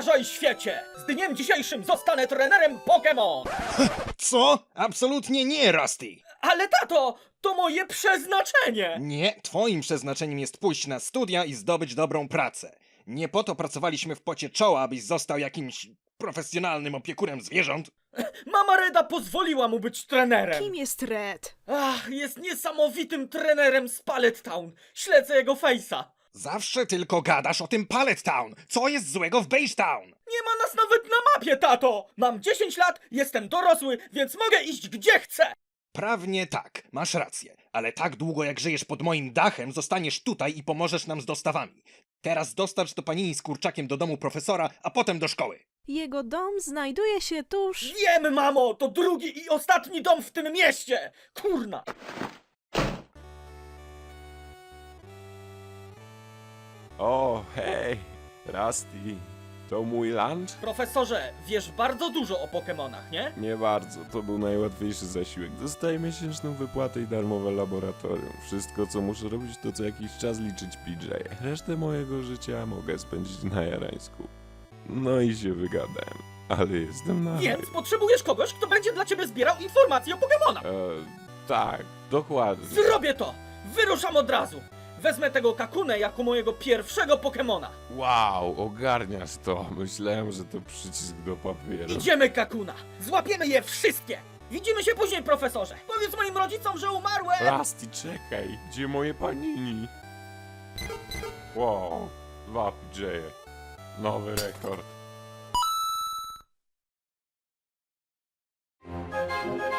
Uważaj, świecie! Z dniem dzisiejszym zostanę trenerem Pokémon! Co? Absolutnie nie, Rusty! Ale tato, to moje przeznaczenie! Nie, twoim przeznaczeniem jest pójść na studia i zdobyć dobrą pracę. Nie po to pracowaliśmy w pocie czoła, abyś został jakimś profesjonalnym opiekunem zwierząt. Mama Reda pozwoliła mu być trenerem! Kim jest Red? Ach, jest niesamowitym trenerem z Pallet Town. Śledzę jego face'a. Zawsze tylko gadasz o tym Pallet Town. Co jest złego w Beige Town? Nie ma nas nawet na mapie, tato! Mam 10 lat, jestem dorosły, więc mogę iść gdzie chcę! Prawnie tak, masz rację. Ale tak długo jak żyjesz pod moim dachem, zostaniesz tutaj i pomożesz nam z dostawami. Teraz dostarcz to panini z kurczakiem do domu profesora, a potem do szkoły. Jego dom znajduje się tuż... Wiem, mamo, to drugi i ostatni dom w tym mieście! Kurna! O, hej, Rusty, to mój lunch? Profesorze, wiesz bardzo dużo o Pokemonach, nie? Nie bardzo, to był najłatwiejszy zasiłek. Dostaję miesięczną wypłatę i darmowe laboratorium. Wszystko, co muszę robić, to co jakiś czas liczyć PJ. Resztę mojego życia mogę spędzić na jarańsku. No i się wygadałem, ale jestem na... Więc potrzebujesz kogoś, kto będzie dla ciebie zbierał informacje o Pokemonach. Tak, dokładnie. Zrobię to! Wyruszam od razu! Wezmę tego Kakunę jako mojego pierwszego Pokemona. Wow, ogarniasz to. Myślałem, że to przycisk do papieru. Idziemy, Kakuna! Złapiemy je wszystkie! Widzimy się później, profesorze! Powiedz moim rodzicom, że umarłem! Rusty, czekaj, gdzie moje panini? Wow, 2 PJ. Nowy rekord.